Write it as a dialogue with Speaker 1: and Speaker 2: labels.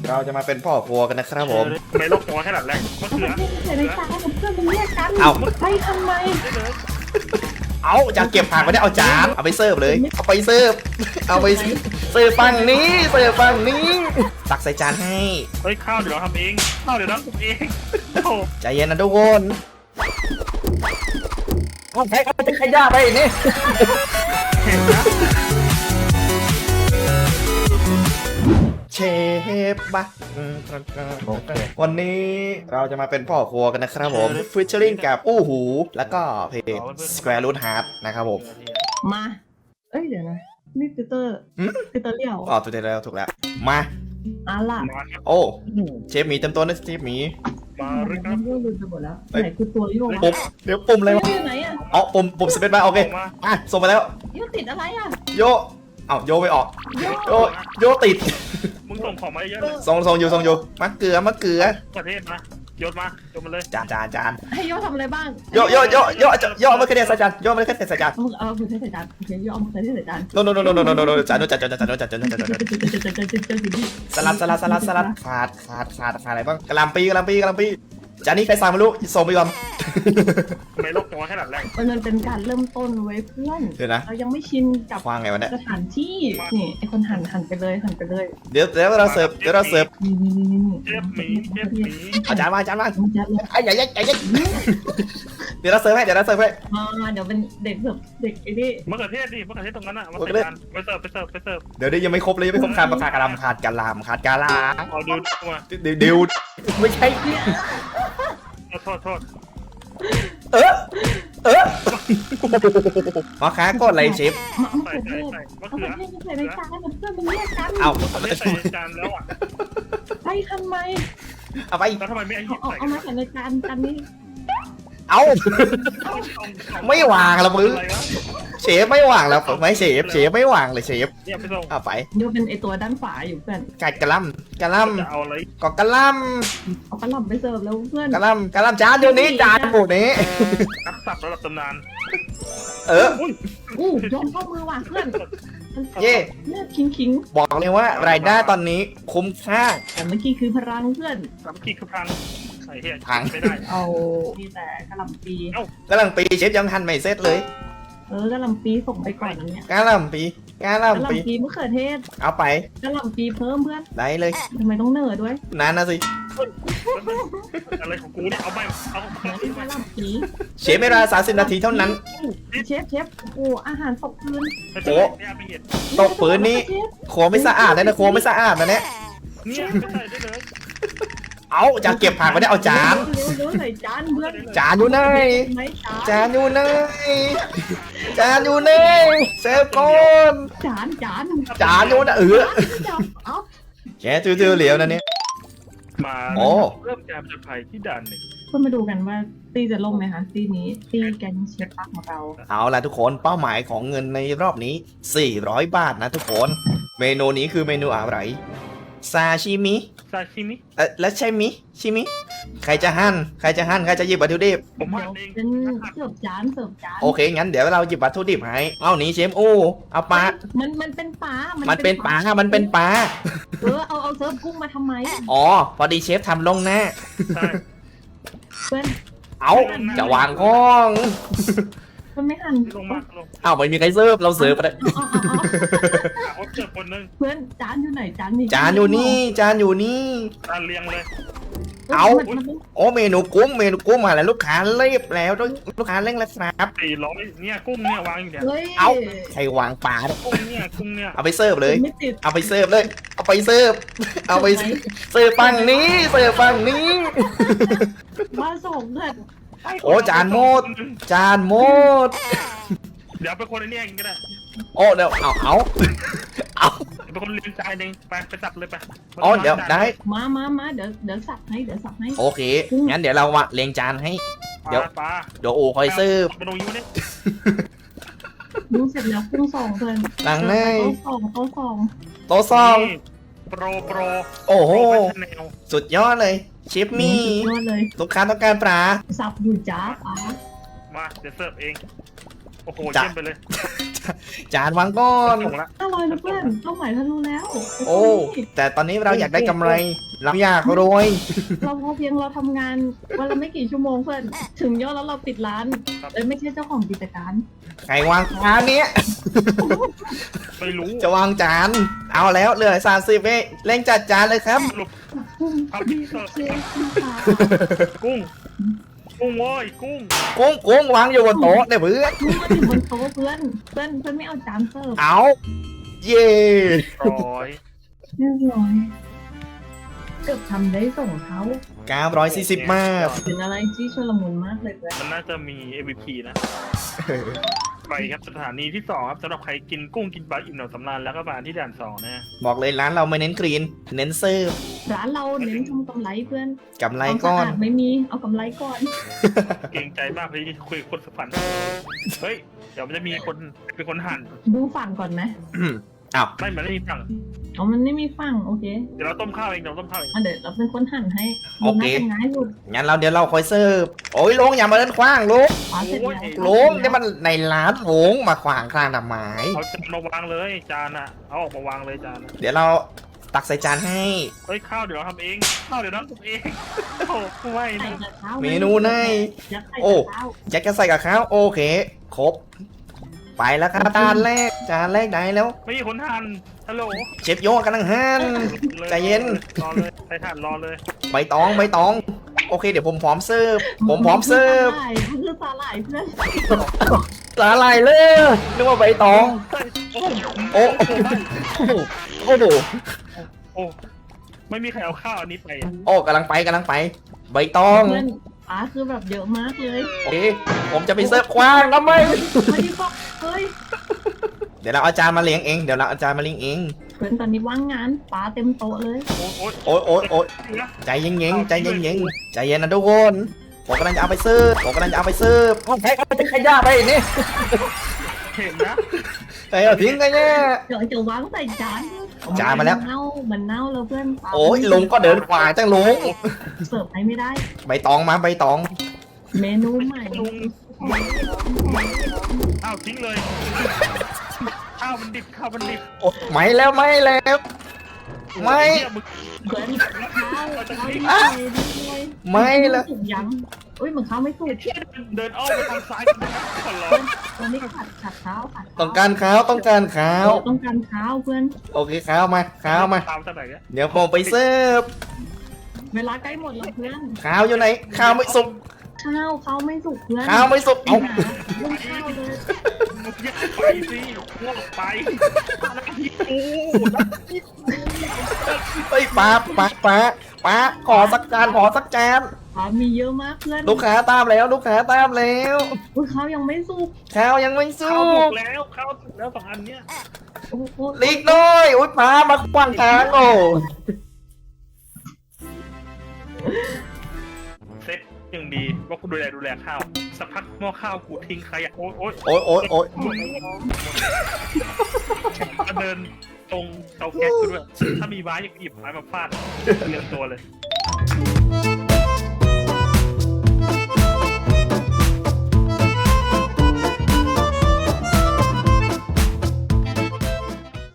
Speaker 1: เราจะมาเป็นพ่อครัวกันนะครับผม
Speaker 2: ไม่ลกตัวแค่หลังแรกมะเขือ
Speaker 3: ใส่ในจานกับเพื่อนมันเรียกกัน
Speaker 1: เอ้า
Speaker 3: ไปทำไม
Speaker 1: เอาจะเก็บผักไม่ได้เอาจานเอาไปเสิร์ฟเลยเอาไปเสิร์ฟเอาไปเสิร์ฟฝั่งนี้เสิร์ฟฝั่งนี้ตักใส่จานให้
Speaker 2: เฮ้ยข้าวเดี๋ยวเราทำเองข้าวเดี๋ยวเราทำเองโอ้
Speaker 1: ใจเย็นนะทุกคนเอาใครเอาจะขย่าไปนี่
Speaker 2: เห็นนะ
Speaker 1: เชฟบะวันนี้เราจะมาเป็นพ่อครัวกันนะครับผมฟิชเชอริงกับอู้หูแล้วก็เพลง Square Root Heart นะครับผม
Speaker 3: มาเอ้ยเดี๋ยวนะนี่ติวเตอร์ติวเตอร์เลี้ยว
Speaker 1: อ๋อถูกแล้วถูกแล้วมา
Speaker 3: ล่ะ
Speaker 2: มาครับ
Speaker 1: โอ้เชฟหมีเต็มตัวนะเชฟหมี
Speaker 2: มาเลยครับ
Speaker 3: เลี้ยวลืมไปหมดแล้วไหนคือตัวโยก
Speaker 1: ปุ่มเดี๋ยวปุ่มอะไรวะ
Speaker 3: อยู่ไหนอ่ะ
Speaker 1: อ๋อปุ่มสเปซบาร์โอเคอ่ะส่งมาแล้ว
Speaker 3: โยติดอะไรอ่ะ
Speaker 1: โยเอ้าโยไม่ออกโยติด
Speaker 2: มึงส่งของมาเยอะเลย
Speaker 1: ส่งอยู่มะเขือ
Speaker 2: ประเทศมาโยนมาโยนมาเลย
Speaker 1: จาน
Speaker 3: ให้โยทำอะไรบ้าง
Speaker 1: โยเอามาแค่เดียวใส่จานโยเอามาแค่ใส่จาน
Speaker 3: เอามือใส่จานโอเคโยเอามือใส่จาน
Speaker 1: โนจานสลัดขาดอะไรบ้างกะหล่ำปีจานนี้ใครสั่งไม่รู้ส่งไปก่อน
Speaker 2: ไม่ลกตัวแค่หลังแรก
Speaker 3: มันเป็นการเริ่มต้นไว้เพื่อน
Speaker 1: เดี๋ยวนะ
Speaker 3: เรายังไม่ชินกับ
Speaker 1: วางไงวะเนี่ย
Speaker 3: สถานที่นี่ไอคนหันไปเลย
Speaker 1: เดี๋ยวเราเสิร์ฟ
Speaker 2: เชฟหมี
Speaker 1: เอาจานมา
Speaker 3: จัดเลย
Speaker 1: ไอ้ใหญ่เดี๋ยวเราเสิร์ฟให้
Speaker 3: เดี๋ยวเป็นเด็กแบบเด็กไอ้นี่
Speaker 2: มะเขือเทศดิมะเขือเทศตรงนั้นอ่ะมาใส่จานไปเสิร์ฟ
Speaker 1: เดี๋ยวยังไม่ครบเลยยังไม่ครบขาดกะหล่ำขาดกะลา
Speaker 2: เอาดูมา
Speaker 1: เดี๋ยวไม่ใช่
Speaker 2: โทษ
Speaker 1: มาค้าก็อะไรเชฟ
Speaker 3: มะเขือเทศมะเขือเทศใส่ในจานกับเพื่อนมันเรียกกัน
Speaker 1: เอา
Speaker 2: ไม่ใส่จานแล้วอ่ะ
Speaker 3: ไปทำไม
Speaker 1: เอาไป
Speaker 2: แล้วทำไมไม่หยิบใส่
Speaker 3: เอามาใส่ในจานนี้
Speaker 1: เอาไม่วางแล้วมึงเชฟไม่วางแล้วไม่เชฟไม่วางเลยเชฟ
Speaker 2: เนี่ยไปส่ง
Speaker 1: เอาไป
Speaker 3: โยเป็นไอตัวด้านฝาอยู่เพื่อน
Speaker 1: กัดกะล่ำ
Speaker 2: จะเอาอะไร
Speaker 1: ก็กะล่
Speaker 3: เอากระหล่ำไปเสิร์ฟแล้วเพื่อน
Speaker 1: ำกะล่ำจานเดี๋ยวนี้จานหมดนี้
Speaker 2: นักสับระดับตำนาน
Speaker 3: ยอมเข้ามือว่ะเพื่อน
Speaker 1: เย่
Speaker 3: เนี่ยคิง
Speaker 1: บอกเลยว่ารายได้ตอนนี้คุ้มค่า
Speaker 3: แต่เมื่อกี้คือพลังเพื่อน
Speaker 2: สามกีคือพังไอ้เหี้ย
Speaker 1: พัง
Speaker 2: ไม่ได้
Speaker 3: เอามีแต่กระหล่ำปี
Speaker 1: กำลังปีเชฟยังทันไม่เสร็จเลย
Speaker 3: กระหล่ำปีส่งไปก่อนนะเนี่ย
Speaker 1: กะล่ำปี
Speaker 3: กระหล่ำปีมะเขือเทศ
Speaker 1: เอาไป
Speaker 3: กระหล่ำปีเพิ่มเพื่อน
Speaker 1: ได้เลย
Speaker 3: ทำไมต้องเนิร์ดด้วย
Speaker 1: นั่นนะสิ
Speaker 2: อะไรของกูเนี่ยเอาไปเอา
Speaker 3: กระหล่ำปี
Speaker 1: เชฟไม่เวลา30 นาทีเท่านั้น
Speaker 3: เชฟโอ้อาหารตกพื้น
Speaker 2: ไม่เห็น
Speaker 1: ตกปืนนี้ครัวไม่สะอาดนะครัวไม่สะอาดนะเนี่ย
Speaker 2: เนี่ยไม่ใส่ได้เลย
Speaker 1: เอาจะเก็บผักไม่ได้เอาจาน
Speaker 3: เร็วใส่จานเพื่อน
Speaker 1: จานอยู่ไหน
Speaker 3: ไหม
Speaker 1: จานอยู่ไหนเซฟก่อน
Speaker 3: จาน
Speaker 1: จานอยู่นะ
Speaker 3: เอา
Speaker 1: แกตื้อเหลียวนะเนี่ย
Speaker 2: มา
Speaker 1: โอ้
Speaker 2: เริ่มการผจญภัยที่ด่านหนึ่ง
Speaker 3: เพื่อนมาดูกันว่าตีจะลงไหมคะตีนี้ตีแกงเชฟปักของเรา
Speaker 1: เอาล่ะทุกคนเป้าหมายของเงินในรอบนี้400 บาทนะทุกคนเมนูนี้คือเมนูอะไรซาชิมิ
Speaker 2: ซาชิมิ
Speaker 1: แล้วใช่มิชิมิใครจะหั่นใครจะหยิบวัตถุดิบ
Speaker 2: ผมหั่นเอง
Speaker 3: เป็นเสิร์ฟจาน
Speaker 1: โอเคงั้นเดี๋ยวเราหยิบวัตถุดิบให้เอานี้เชฟโอ้เอาปลา
Speaker 3: มันเป็นปลา
Speaker 1: มั
Speaker 3: มัน
Speaker 1: เป็นปลา
Speaker 3: เอาเสิร์ฟกุ้งมาทำไม
Speaker 1: อ๋อพอดีเชฟทำลงหน้า
Speaker 2: ใช่
Speaker 3: เพื่อน
Speaker 1: เอาจะวางข้อง
Speaker 3: มันไม่หัน
Speaker 2: ลงมาลง
Speaker 1: เอาไม่มีใครเสิร์ฟเราเสิร์ฟไป
Speaker 2: เอาเจอคนนึง
Speaker 3: เพื่อนจานอยู่ไหนจานนี่
Speaker 1: จานอยู่นี่
Speaker 2: จานเรียงเลย
Speaker 1: เอาโอ้เมนูกุ้งมาแล้วลูกค้าเรียบแล้วลูกค้าเร่งแล้วครับ
Speaker 2: 400เนี่ยกุ้งเนี่ยวางอยู่เนี่ย
Speaker 3: เฮ้ย
Speaker 1: เอาใครวางปลา
Speaker 2: กุ้งเนี่ย
Speaker 1: เอาไปเสิร์ฟเลย
Speaker 3: ไม่ติด
Speaker 1: เอาไปเสิร์ฟฝั่งนี้
Speaker 3: มาส่งเพื่อน
Speaker 1: โอ้จานหมด
Speaker 2: เดี๋ยวเป็นคนไอ้นี่เองก็ได้
Speaker 1: โอ้เดี๋ยวเอา
Speaker 2: เป็นคนเลี้ยงจานเองไปสับเลยไป
Speaker 1: อ๋อเดี๋ยวได้
Speaker 3: มาเดี๋ยวสับให้
Speaker 1: โอเคงั้นเดี๋ยวเรามาเรียงจานให้
Speaker 2: เดี๋ยวปลา
Speaker 1: เดี๋ยวโอ้คอยเสิร์ฟ
Speaker 2: ไปตรงนี้วะเนี่ย
Speaker 3: ดูเสร็จแล้วกุ้งส่งเพื่อน
Speaker 1: หลังใน
Speaker 3: โต๊ะส่ง
Speaker 1: โต๊ะซอง
Speaker 2: โปร
Speaker 1: โอ้โห
Speaker 2: แนว
Speaker 1: สุดยอดเลยเชฟมี่
Speaker 3: ยอดเลย
Speaker 1: ลูกค้าต้องการปลา
Speaker 3: สับอยู่จ้าป๋า
Speaker 2: มาเดี๋ยวเสิร์ฟเองโอ้โหเยี่ยมไปเลย
Speaker 1: จานวางก้อน
Speaker 2: ส่งละ
Speaker 3: 500นะเพื่อนเป้าหมายทะลุแล้ว
Speaker 1: โอ้แต่ตอนนี้เราอยากได้กำไรเราอยากรวย
Speaker 3: เราพอเพียงเราทำงานวันละไม่กี่ชั่วโมงเพื่อนถึงยอดแล้วเราปิดร้านไม่ใช่เจ้าของกิจการ
Speaker 1: ใครวางจานเนี้ย
Speaker 2: ไม่รู้
Speaker 1: จะวางจานเอาแล้วเหลือ30เองเร่งจัดจานเลยครับ
Speaker 2: สรุป
Speaker 3: ครับพี่เชฟค่ะ
Speaker 2: กุ้งกุ้งโว้ยกุ้ง
Speaker 1: กุ้งวางอยู่บนโต๊ะเนี่ยเพื่อน
Speaker 3: มึงมาถึงบนโต๊ะเพื่อนไม่เอาจานเสิร์ฟ
Speaker 1: เอาเย่
Speaker 2: ร้อย
Speaker 3: เรียบร้อยเกือบทำได้ส่งเขา
Speaker 1: 940มาก
Speaker 3: เป็นอะไรที่ชลมุนมากเลยเพื่อน
Speaker 2: มันน่าจะมี MVP นะ ไปครับสถานีที่2ครับสำหรับใครกินกุ้งกินปลาอิ่มหนำสำราญแล้วก็มาที่ด่าน2นะ
Speaker 1: บอกเลยร้านเราไม่เน้นกรีนเน้นเซิร์ฟ
Speaker 3: ร้านเราเน้นทำกำไรเพื่อน
Speaker 1: กำไรก้อน
Speaker 3: ความสะอาดไม่มีเอากำไรก่อน
Speaker 2: เกรงใจมากที่คุยกับคนสุพรรณเฮ้ยเดี๋ยวมันจะมีคนเป็นคนหั่น
Speaker 3: ดูฝั่งก่อนไหม
Speaker 1: อ้าว
Speaker 2: ไม่เหมือนไม่มีฝั่ง
Speaker 3: อ๋อมันไม่มีฝั่งโอเค
Speaker 2: เดี๋ยวเราต้มข้าวเองเดี๋ยวเราต้มข้าวเอง
Speaker 3: อ่ะเดี๋ยวเราเป็นคนหั่นให้ดูน่าจะง่ายสุด
Speaker 1: งั้นเดี๋ยวเราคอยเซิร์ฟโอ้ยลงอย่ามาเดินขว้างลง
Speaker 3: ปลาเสร็จแล้ว
Speaker 1: ลงนี่มันในร้านลงมาขวางข้างทำไม
Speaker 2: เอาจานมาวางเลยจานอะเอาออกมาวางเลยจานอะ
Speaker 1: เดี๋ยวเราตักใส่จานให้
Speaker 2: เฮ้ยข้าวเดี๋ยวเราทำเองข้าวเดี๋ยวเราทำเองโอ้ไม่
Speaker 3: ใส่
Speaker 2: นะ
Speaker 3: กับข้าว
Speaker 1: เมนูใน
Speaker 3: ยัดใส่
Speaker 1: โอ้
Speaker 3: กับข้าว
Speaker 1: แจ็คจะใส่กับข้าวโอเค ครบ ไปแล้วครับจานแรกได้แล้ว
Speaker 2: ไม่มีคนหั่นฮัลโหล
Speaker 1: เชฟโยกำลังหั่น ใจเย็น
Speaker 2: รอเลยใส่ถ่านรอเลย
Speaker 1: ใบตองโอเคเดี๋ยวผมพร้อมเสิร์ฟผมพร้อมเสิร์ฟ
Speaker 3: มันคือสาหร่ายเพื่อน
Speaker 1: สาหร่ายเลยนึกว่าใบตอง
Speaker 2: โอ้
Speaker 1: โอ้โห
Speaker 2: โอ้ไม่มีใครเอาข้าวอันนี้ไปอะ
Speaker 1: โอ้กำลังไปใบตอง
Speaker 3: เพื่อนปลาคือแบบเยอะมากเลย
Speaker 1: โอเคผมจะไปเสิร์ฟกว้างทำไม
Speaker 3: ไม่ได้บอกเฮ้ย
Speaker 1: เดี๋ยวเราเอาจารย์มาเลี้ยงเองเอง
Speaker 3: เพื่อนตอนนี้ว่างงานปลาเต็มโต๊ะเลย
Speaker 2: โอ้ย
Speaker 1: โอ๊ยใจเย็นใจเย็นนะทุกคนผมกำลังจะเอาไปเสิร์ฟโอ้ใครเอาไปขยะไปนี่
Speaker 2: เห็นนะ
Speaker 1: ใครเอาทิ้งกันเนี่ย
Speaker 3: เดี๋ยวจะวางใส่จาน
Speaker 1: จานมาแล้ว
Speaker 3: มันเน่าแล้วเพื่อนปลา
Speaker 1: โอ้ยลุงก็เดินขวางจังลุง
Speaker 3: เสิร์ฟให้ไม่ได้
Speaker 1: ใบตองมาใบตอง
Speaker 3: เมนูใหม่
Speaker 2: ลุงอ้าวทิ้งเลยข้าวมันดิบ
Speaker 1: โอ้ไม่แล้วไม่
Speaker 2: เหี้ยมึง
Speaker 3: เพื่อนข้าวดีเลย
Speaker 1: ไม่แล้ว
Speaker 3: สุกยังอุ้ยเหมือนข้าวไม่สุก
Speaker 2: เดินอ้อมไปทางซ้ายกันนะขอร้อง
Speaker 3: ตอนนี้ขัดข้าว
Speaker 1: ต้องการข้าว
Speaker 3: ต้องการข้าวเพื่อน
Speaker 1: โอเคข้าวมา
Speaker 2: ตามจากไหนเนี่ย
Speaker 1: เดี๋ยวผมไปเสิร์ฟ
Speaker 3: เวลาใกล้หมดแล้วเพื่อน
Speaker 1: ข้าวอยู่ไหนข้าวไม่สุก
Speaker 3: ข้าวไม่สุกเพื่อน
Speaker 1: ข้าวไม่สุกเอา
Speaker 3: ลุงข้าวเลย
Speaker 2: มึงอย่าไปสิง่วงไปอะไรที่กู
Speaker 1: เฮ้ยป้าขอสักจาน
Speaker 3: ปลามีเยอะมากเพื่อน
Speaker 1: ลูกค้าตามแล้ว
Speaker 3: อุ้ยข้าวยังไม่สุก
Speaker 1: ข้าวยังไม่สุ
Speaker 2: ข้าวถู
Speaker 1: ก
Speaker 2: กแล้วสองอันเนี้ย
Speaker 3: โอ้โห
Speaker 1: ลีกหน้อยอุ้ยป้ามาขวางทางโอ้
Speaker 2: เซ็ตยังดีว่ากูดูแลข้าวสักพักหม้อข้าวกูทิ้งขยะโอ๊ย
Speaker 1: โอ้ย
Speaker 2: ก็เดินตรงเตาแก๊สกูด้วยถ้ามีไม้หยิบไม้มาฟาดเรียงตัวเลย